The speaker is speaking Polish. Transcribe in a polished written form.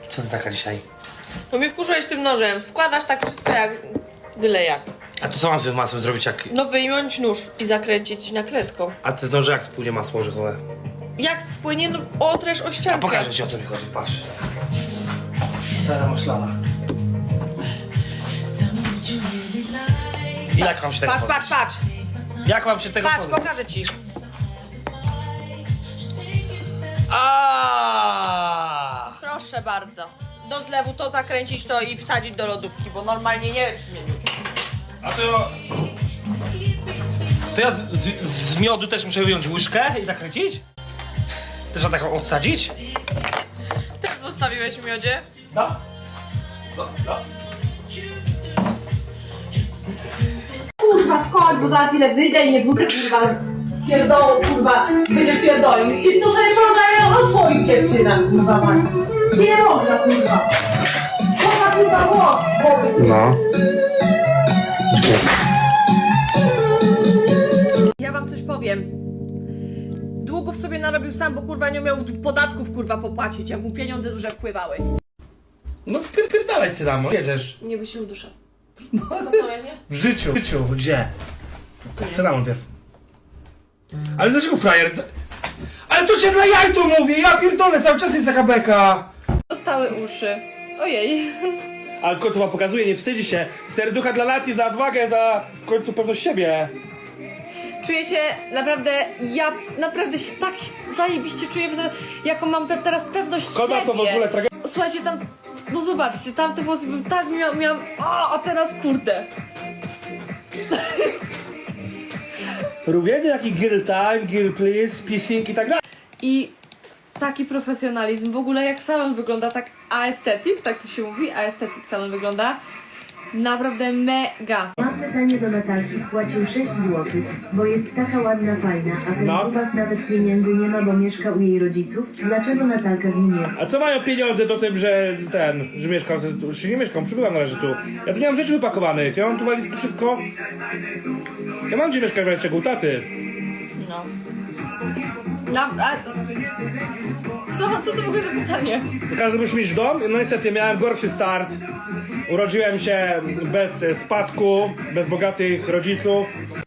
Co ty taka dzisiaj? No mnie wkurzyłeś tym nożem. Wkładasz tak wszystko jak byle jak. A to co mam z tym masłem zrobić jak... No wyjąć nóż i zakręcić nakrętką. A ty z noży jak spłynie masło orzechowe? Jak spłynie, no otresz o ściankę. A pokażę ci o co mi chodzi, patrz. Teraz maślana. Jak mam się tego Patrz, pozbyć? patrz, patrz. Jak mam się tego Patrz, pozbyć? pokażę ci. Aaaa! Proszę bardzo. Do zlewu to zakręcić to i wsadzić do lodówki, bo normalnie nie wiem. A to... To ja z miodu też muszę wyjąć łyżkę i zakręcić? Też na taką odsadzić? Też zostawiłeś w miodzie? No. No, no. Kurwa, skończ, bo za chwilę wyjdę i nie wrzucę, kurwa, z pierdołu, kurwa, będziesz pierdolił. I to sobie porozmawiam o twoich dziewczynach, kurwa, mać. Pierożna, kurwa. Kurwa, głos. No. Ja wam coś powiem. Długów sobie narobił sam, bo kurwa nie miał podatków kurwa popłacić, jak mu pieniądze duże wpływały. No wpierdalaj cynamo, jedziesz. Nie by się uduszał. No co, ja nie? W życiu. Gdzie? Cynamon pierw. Ale dlaczego frajer? Ale to cię dla jaj tu mówię, ja pierdolę, cały czas jest taka beka. Dostały uszy. Ojej. Ale w końcu wam pokazuje, nie wstydzi się. Serducha dla Lati za odwagę, za w końcu pewność siebie. Czuję się naprawdę, ja naprawdę się tak zajebiście czuję, jaką mam teraz pewność Szkoda siebie. to w ogóle tragedia. Słuchajcie, tam, no zobaczcie, tamte włosy, tak miałam, a teraz kurde. Robienie taki girl time, girl please, pissing i tak dalej. I taki profesjonalizm, w ogóle jak salon wygląda, tak aesthetic, tak to się mówi, aesthetic salon wygląda. Naprawdę mega. Mam pytanie do Natalki. Płacił 6 zł, bo jest taka ładna, fajna, a ten No. kupas nawet pieniędzy nie ma, bo mieszka u jej rodziców. Dlaczego Natalka z nim jest? A co mają pieniądze do tym, że że mieszkam, czy nie mieszkam, przybywam na razie tu. Ja tu nie mam rzeczy wypakowanych, ja mam tu walizki wszystko. Ja mam gdzie mieszkać w razie czego u taty. No. Co to w ogóle za pytanie? Każdy musi mieć dom, no niestety miałem gorszy start. Urodziłem się bez spadku, bez bogatych rodziców.